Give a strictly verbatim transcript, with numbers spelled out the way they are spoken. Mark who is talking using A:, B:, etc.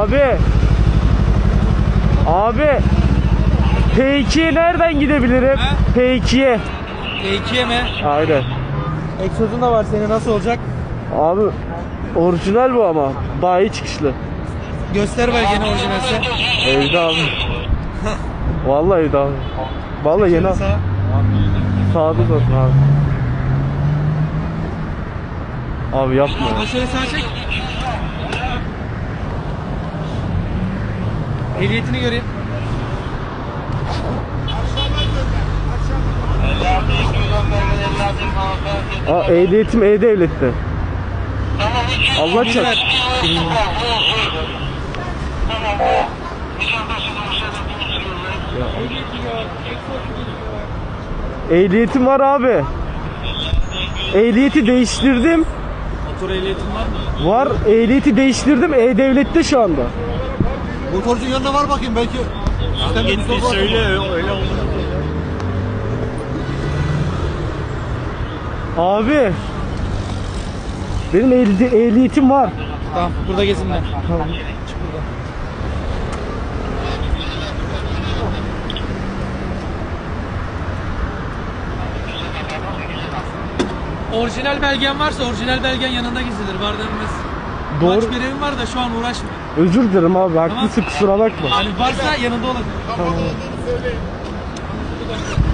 A: Abi. Abi. P iki'ye nereden gidebilirim?
B: He?
A: P iki'ye.
B: P iki'ye mi?
A: Aynen.
B: Egzozun da var senin, nasıl olacak?
A: Abi orijinal bu ama. Bayi çıkışlı.
B: Göster belgeni orijinalse.
A: Evde abi. Vallahi evde abi. Vallahi yeni.
B: Sağ.
A: Sağda zaten abi. Abi yapma.
B: Ama şöyle sağa çek. Ehliyetini göreyim.
A: Aa, ehliyetim E-Devlet'te. Allah çarpsın. Ehliyetim var abi. Ehliyeti değiştirdim.
B: Motor ehliyetin var mı?
A: Var. Ehliyeti değiştirdim. E-Devlet'te şu anda.
C: Motorcunun yanına var bakayım belki.
B: Gitti söyle öyle oldu.
A: Abi. Benim ehli ehliyetim var.
B: Tamam, burada gezinler.
A: Tamam.
B: Çık buradan. Orijinal belgen varsa orijinal belgen yanında gizlidir. Var denmez.
A: Doğru.
B: Kaç birevim var da şu an uğraşma.
A: Özür dilerim abi. Haklısın, kusura bakma.
B: Hani varsa yanında olacak.
A: Tamam.